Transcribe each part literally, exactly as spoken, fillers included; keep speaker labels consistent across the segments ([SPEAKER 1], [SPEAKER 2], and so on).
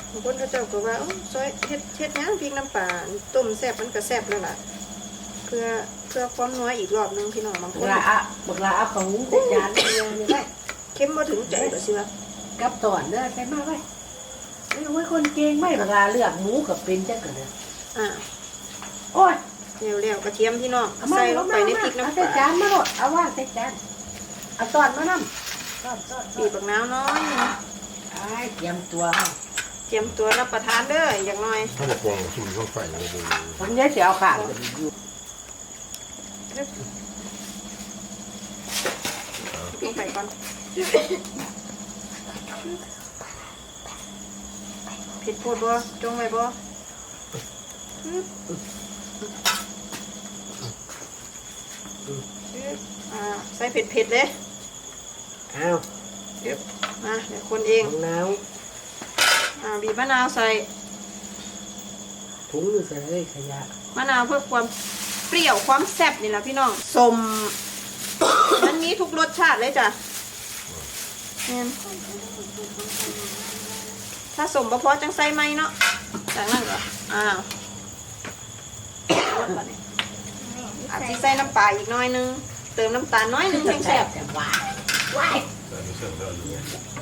[SPEAKER 1] บางคนเขาเจ้าก็ว่าซอยเฮ็ดเฮ็ดย่างพริกน้ำปลาต้มแซ่บมันก็แซ่บแล้วล่ะเพื่อเพื่อความนัวอีกรอบนึงพี่น้องบางคน
[SPEAKER 2] บักลาอะบักลาเอาของใส่จานเลยนี่ไว้
[SPEAKER 1] เข้มบ่ถึงใจก็สิว่า
[SPEAKER 2] กับตอนเด้อใส่มาไว้ไอ้ไว้คนเก่งไม่บักลาเลือกหมูกับเป็นจังกันเด้อ
[SPEAKER 1] อ่า
[SPEAKER 2] โอ้ย
[SPEAKER 1] เร็วๆกระเทียมพี่น้องใส่ลงไปในพริกน้ำป
[SPEAKER 2] ใส่
[SPEAKER 1] ลา
[SPEAKER 2] จานมาโลดเอาว่างใส่จานเอาตอนมานำตอนตอน
[SPEAKER 1] บีบบักนาวน้อยนึง
[SPEAKER 2] ไอ้เตรียมตัวเฮา
[SPEAKER 1] เตรียมตัวรับประทานเด้ออย่างน้อย
[SPEAKER 3] ถ้าบอกวางสุ่มเข้าไฟเลยดู
[SPEAKER 2] ผมจะสิเอาขาดอยู่
[SPEAKER 1] ลงไปก่อนผิดโพดบ่จงไว้บ่อ่าใส่เผ็ดๆเลย
[SPEAKER 2] เอา
[SPEAKER 1] เดี๋ยวมาเดี๋ยวคนเอง
[SPEAKER 2] มะนาว
[SPEAKER 1] อ่าบีบมะนาวใส่
[SPEAKER 2] ถุงอยู่ใส่เลยขยะ
[SPEAKER 1] มะนาวเพื่อความเปรี้ยวความแซ่บนี่แหละพี่น้องสม มันมีทุกรสชาติเลยจ้ะเนี่ยถ้าสมบ่พอจังใส่ไหมเนาะจากนั้นก็อ้าวอาจจะใส่น้ำปลาอีกน้อยนึงเติมน้ำตาลน้อยนึงแห้งแซ่บ
[SPEAKER 2] แต่หวานว้าย
[SPEAKER 3] แต่ไม่เสร็จแล้วอยู่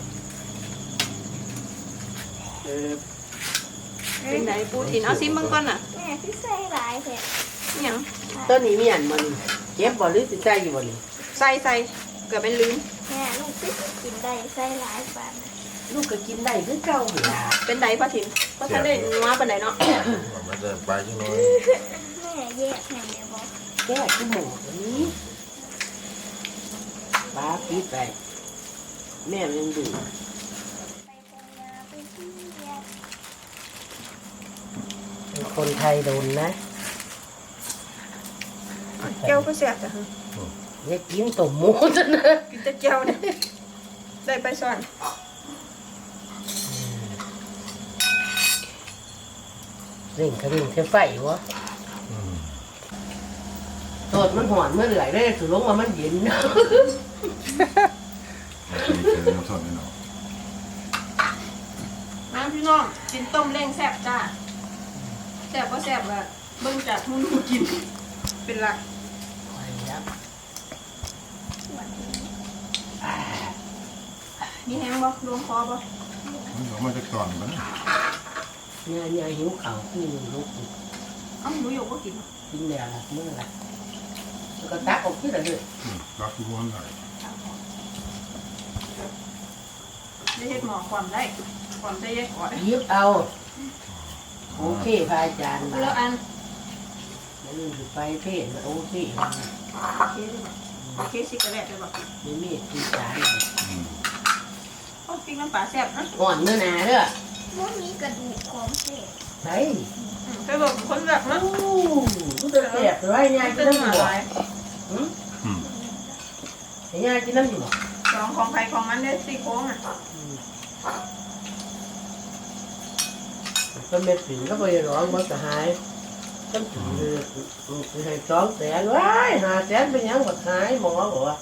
[SPEAKER 2] เออ
[SPEAKER 1] เป็นไหนปูถิ่นเอาซิมเบิ่งก่อนน่ะ
[SPEAKER 4] แม่พี่ใส่หลายแท้
[SPEAKER 1] อิหยัง
[SPEAKER 2] ต้นนี้มีอันบ่นี่เก็บบ่หรือสิใส่อยู่บ่นี่
[SPEAKER 1] ใส่ใส่เกือบเป็นลืม
[SPEAKER 4] แม่ลูกพี่กินได้ใส่หลายปานนะ
[SPEAKER 2] ลูกก็กินได้คือเก่าหั่นล่ะ
[SPEAKER 1] เป็นไดป้าถิ่นก็ท่านได้นัวปานไหนเนาะ
[SPEAKER 3] มันจะไปใช่ไหม
[SPEAKER 4] แม่แยกแม่เดี๋ยวบอก
[SPEAKER 2] แก้คือหมูตัวนี้ปลาปิดไปแม่มันยังดู
[SPEAKER 4] ไปตรงยาไปที่แยก
[SPEAKER 2] เป็นคนไทยโดนนะ
[SPEAKER 1] แก้วก็แซ่บจ้ะ
[SPEAKER 2] อย่ากินต้มหมูซะนะ
[SPEAKER 1] กินแต่แก้วเนี่ยได้ไปซ่อน
[SPEAKER 2] เร่งกระดิ่งเทไฟวะโทษมันหอนเมื่อไหร่ได้สุลงว่ามันเย็นนะ
[SPEAKER 3] มันเป็นน้ำทอดแน่นอน
[SPEAKER 1] น้ำพี่น้องกินต้มเล้งแซ่บจ้าแซ่บก็แซ่บอะเบิ่งจากทุนหูกินเป็นหลัก
[SPEAKER 2] ไปแล้ว
[SPEAKER 1] มีแห้งบ่รวมคอบ่
[SPEAKER 3] มันออกมาจากตอนมัน
[SPEAKER 2] เนี่ยเนี่ยหิวข่าวขึ้นลุก
[SPEAKER 1] เอ้าหนูอยู่บ่กิน
[SPEAKER 2] กินแล้วล่ะเมื่อไหร่แล้วก็ตักออกที่ละเลย
[SPEAKER 3] รักทุกคนเลย
[SPEAKER 1] ได้เฮ็ดหมอความได้ความได้แยกก่อน
[SPEAKER 2] ยิบเอาโอเคพระอาจารย์มา
[SPEAKER 1] แล้วอัน
[SPEAKER 2] แล้วนี่สิไปเพศโอเค
[SPEAKER 1] โอเคได้บ่โอเคสิกระแลตได้บ่
[SPEAKER 2] ไม่มีที่จาน
[SPEAKER 1] โอ้ปิ้งน้ำปลาแซ่บนะ
[SPEAKER 2] อ่อนเนื้อหนาเด้อ
[SPEAKER 4] ว่ามีกระดูกของเศษ
[SPEAKER 2] ใช่
[SPEAKER 1] อืมไปบอกคนแบบนะ
[SPEAKER 2] โอ้ลูกจะแสบเลยยายกิ
[SPEAKER 1] เป็น น
[SPEAKER 2] น้ำ
[SPEAKER 1] ห
[SPEAKER 2] อยู่
[SPEAKER 1] มา
[SPEAKER 2] บ่
[SPEAKER 1] ลาย
[SPEAKER 2] หืมยายกินน้ำอยู่บ่
[SPEAKER 1] ของของใครของมันได้ซี่โครงอ่ะ
[SPEAKER 2] ก็เม็ดถึงก็ไปร้องบ่สหายก็ถึงเลยให้สองแสนว้ายห้าแสนเป็นยังบ่หายหมอบอกว่า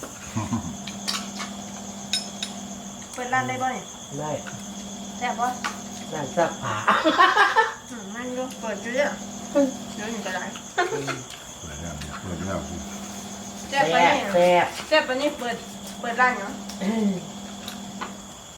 [SPEAKER 1] เปิดร้านได้บ่เนี่ย
[SPEAKER 2] ได้
[SPEAKER 1] แซ่บบ่
[SPEAKER 2] ร้านซักผ้า
[SPEAKER 1] อืมมันอยู่เปิดอยู่เนี่ยเดี๋ยวหนึ่งก็ได้
[SPEAKER 3] เปิดแล้วเปิดแล้ว
[SPEAKER 1] แซ่บ
[SPEAKER 2] แซ่
[SPEAKER 1] ปะ
[SPEAKER 2] บ
[SPEAKER 1] เนี่ย
[SPEAKER 2] แซ่บ
[SPEAKER 1] แซ่บปะเนี่ยเปิดเปิดร้านเหรอ
[SPEAKER 2] เอ้ย